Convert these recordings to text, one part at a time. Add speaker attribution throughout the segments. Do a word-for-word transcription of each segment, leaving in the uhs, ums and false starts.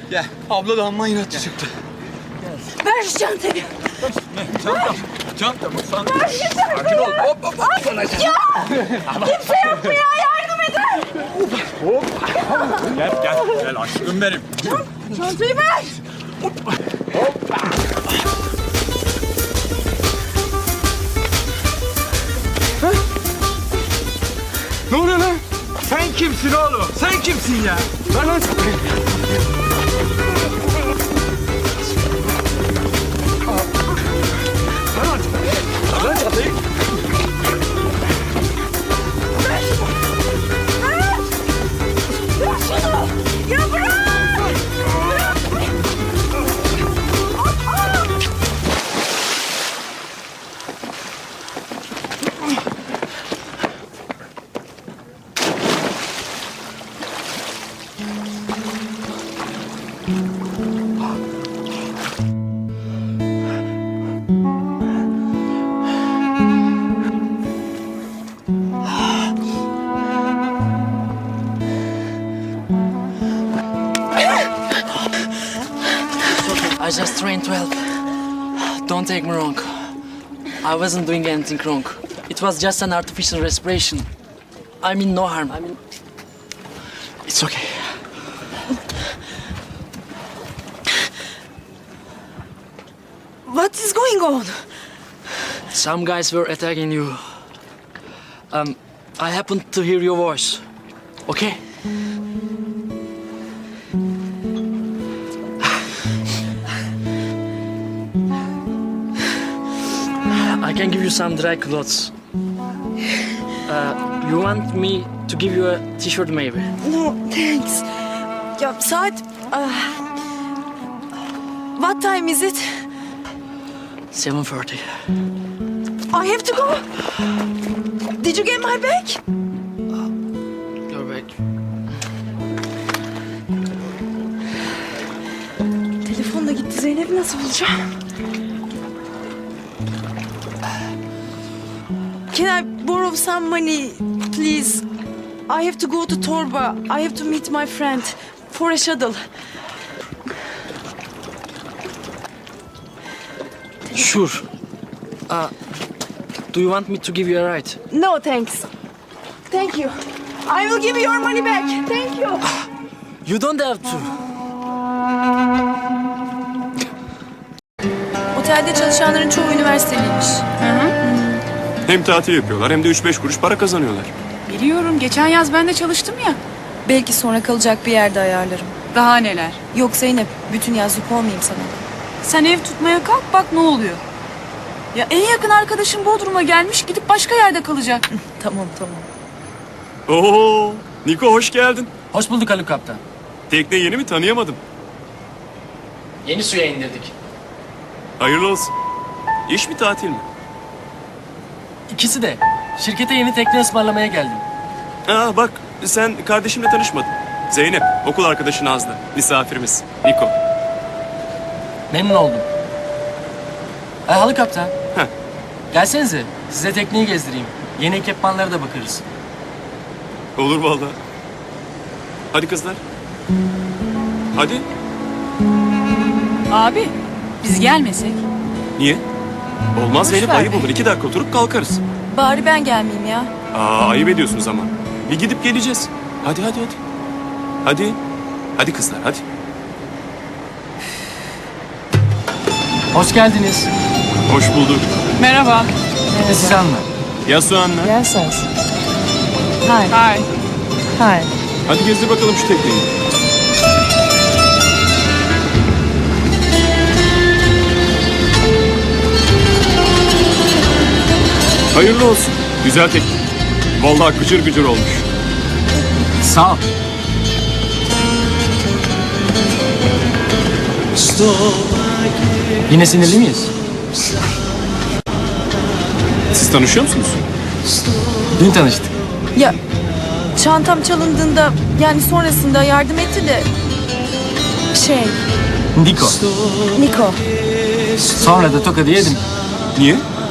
Speaker 1: Gel. Abla da amma inatçı çıktı.
Speaker 2: Ver şu çantayı.
Speaker 1: Ne? Çanta. Çanta mı? Çanta.
Speaker 2: Ver yeter.
Speaker 1: Sakin ol. Hop hop hop.
Speaker 2: Ay, ya! Kimse yok mu ya? Yardım edin.
Speaker 1: Hop. Gel gel. Gel aşkım benim.
Speaker 2: Çantayı ver.
Speaker 1: Hoppa. Ne oluyor lan? Sen kimsin oğlum? Sen kimsin ya? Lan lan. Lan çatayı.
Speaker 2: Ver şunu. Ver. Ver şunu. Ya bırak. Bırak. Aa!
Speaker 3: I just trained twelve. Don't take me wrong. I wasn't doing anything wrong. It was just an artificial respiration. I mean no harm. I mean, it's okay.
Speaker 2: What is going on?
Speaker 3: Some guys were attacking you. Um, I happened to hear your voice. Okay? I can give you some dry clothes. Uh, you want me to give you a t-shirt maybe?
Speaker 2: No, thanks. Ya saat... ah, what time is it?
Speaker 3: seven thirty.
Speaker 2: I have to go. Did you get my bag?
Speaker 3: You're back.
Speaker 2: Telefon da gitti. Zeynep nasıl bulacağım? Can I borrow some money, please? I have to go to Torba. I have to meet my friend for a shuttle.
Speaker 3: Sure. Uh, do you want me to give you a ride?
Speaker 2: No, thanks. Thank you. I will give you your money back. Thank you.
Speaker 3: You don't have to.
Speaker 2: Otelde çalışanların çoğu üniversiteliymiş.
Speaker 4: Hem tatil yapıyorlar hem de üç beş kuruş para kazanıyorlar.
Speaker 5: Biliyorum. Geçen yaz ben de çalıştım ya.
Speaker 2: Belki sonra kalacak bir yerde ayarlarım.
Speaker 5: Daha neler.
Speaker 2: Yok Zeynep, bütün yaz yük olmayayım sana.
Speaker 5: Sen ev tutmaya kalk bak ne oluyor. Ya en yakın arkadaşım Bodrum'a gelmiş gidip başka yerde kalacak.
Speaker 2: Tamam tamam.
Speaker 4: Oo, Niko hoş geldin.
Speaker 3: Hoş bulduk Haluk Kaptan.
Speaker 4: Tekne yeni mi tanıyamadım.
Speaker 3: Yeni suya indirdik.
Speaker 4: Hayırlı olsun. İş mi tatil mi?
Speaker 3: İkisi de. Şirkete yeni tekne ısmarlamaya geldim.
Speaker 4: Aa bak sen kardeşimle tanışmadın. Zeynep okul arkadaşı Nazlı. Misafirimiz Niko.
Speaker 3: Memnun oldum. Ay Haluk Kaptan.
Speaker 4: Heh.
Speaker 3: Gelsenize. Size tekneyi gezdireyim. Yeni ekipmanlara da bakarız.
Speaker 4: Olur vallahi. Hadi kızlar. Hadi.
Speaker 5: Abi biz gelmesek.
Speaker 4: Niye? Olmaz
Speaker 5: Boş
Speaker 4: Zeynep
Speaker 5: ver
Speaker 4: ayıp
Speaker 5: be.
Speaker 4: olur. İki dakika oturup kalkarız.
Speaker 2: Bari ben gelmeyeyim ya.
Speaker 4: Aa ayıp ediyorsunuz ama. Bir gidip geleceğiz. Hadi hadi hadi. Hadi. Hadi kızlar hadi.
Speaker 3: Hoş geldiniz.
Speaker 4: Hoş bulduk.
Speaker 5: Merhaba.
Speaker 3: Ben de sizi anlar.
Speaker 4: Yasu Anna.
Speaker 2: Yes, yes. Hi.
Speaker 5: Hi.
Speaker 2: Hi.
Speaker 4: Hadi gezdir bakalım şu tekneyi. Hayırlı olsun. Güzel tekne. Vallahi gıcır gıcır olmuş.
Speaker 3: Sağ ol. Yine sinirli miyiz?
Speaker 4: Siz tanışıyor musunuz?
Speaker 3: Dün tanıştık.
Speaker 2: Ya çantam çalındığında yani sonrasında yardım etti de şey
Speaker 3: Niko.
Speaker 2: Niko
Speaker 3: Sonra da tokadı yedim.
Speaker 4: Niye?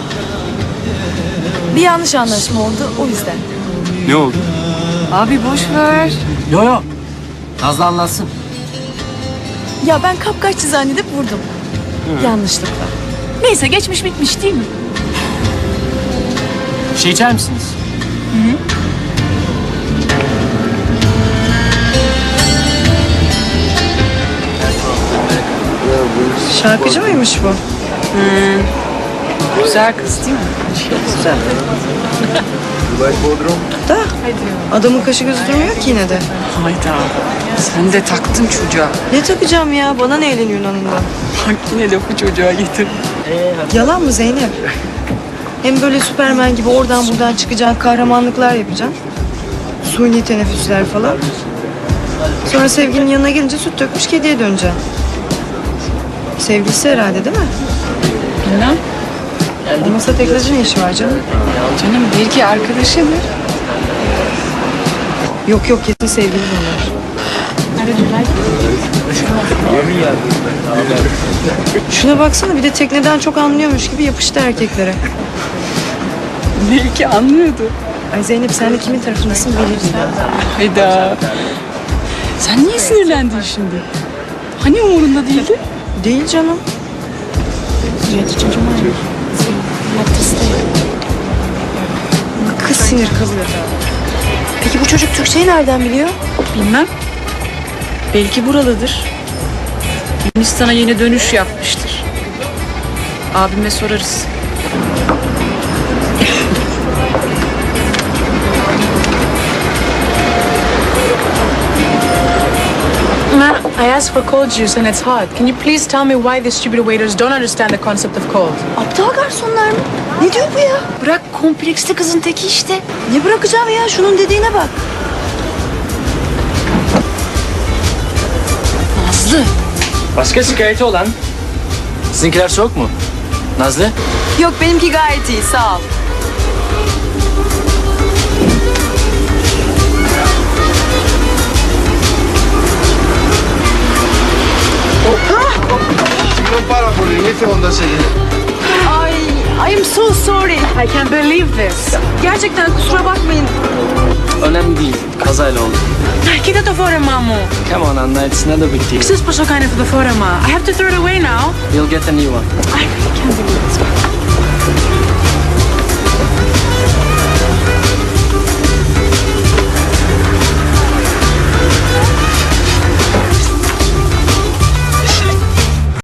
Speaker 2: bir yanlış anlaşma oldu o yüzden.
Speaker 4: Ne oldu?
Speaker 5: Abi boş ver.
Speaker 3: Yo yo. Nazlı anlatsın.
Speaker 2: Ya ben kapkaççı zannedip vurdum. Yanlışlıkla.
Speaker 5: Neyse geçmiş bitmiş değil mi?
Speaker 3: Bir şey içer misiniz?
Speaker 6: Şarkıcı mıymış bu?
Speaker 5: Güzel kız değil mi?
Speaker 6: Güzel. Da adamın kaşı gözü durmuyor ki yine de.
Speaker 5: Hayda. Sen de taktın çocuğa.
Speaker 6: Ne takacağım ya? Bana ne elin Yunan'ından?
Speaker 5: Bak yine lafı çocuğa getir.
Speaker 6: Yalan mı Zeynep? Hem böyle Süpermen gibi oradan buradan çıkacaksın, kahramanlıklar yapacaksın. Suni teneffüsler falan. Sonra sevgilinin yanına gelince süt dökmüş kediye döneceksin. Sevgilisi herhalde değil mi?
Speaker 5: Bilmem.
Speaker 6: Olmasa teklacı ne işi var canım?
Speaker 5: Canım belki arkadaşıdır.
Speaker 6: Yok yok kesin sevgili bunlar. Şuna baksana bir de tekneden çok anlıyormuş gibi yapıştı erkeklere.
Speaker 5: Belki anlıyordu.
Speaker 6: Ay Zeynep sen de kimin tarafındasın belli değil.
Speaker 5: Hayda. Sen niye sinirlendin şimdi? Hani umurunda değildi?
Speaker 6: Değil canım. Kız sinir kalıyor. Peki bu çocuk Türkçeyi nereden biliyor?
Speaker 5: Bilmem. Belki buralıdır. Yunanistan'a yeni dönüş yapmıştır. Abime sorarız.
Speaker 7: Ma, I asked for cold juice and it's hot. Can you please tell me why the stupid waiters don't understand the concept of cold?
Speaker 6: Aptal garsonlar mı? Ne diyor bu ya?
Speaker 5: Bırak kompleksli kızın teki işte.
Speaker 6: Ne bırakacağım ya? Şunun dediğine bak.
Speaker 5: Nazlı.
Speaker 3: Başka şikayeti olan? Sizinkiler soğuk mu? Nazlı?
Speaker 2: Yok benimki gayet iyi sağ ol.
Speaker 1: Non parla con l'inizio quando sei
Speaker 2: Ay, I am so sorry.
Speaker 7: I can't believe this.
Speaker 2: Gerçekten kusura bakmayın.
Speaker 3: Önemli değil. Kazayla oldu.
Speaker 7: Κοίτα το φόρεμά μου.
Speaker 3: Come on Anna, it's not a big deal.
Speaker 7: Ξέρεις πόσο κάνει αυτό το φόρεμα. I have to throw it away now.
Speaker 3: You'll get a new one.
Speaker 7: I really can't believe this.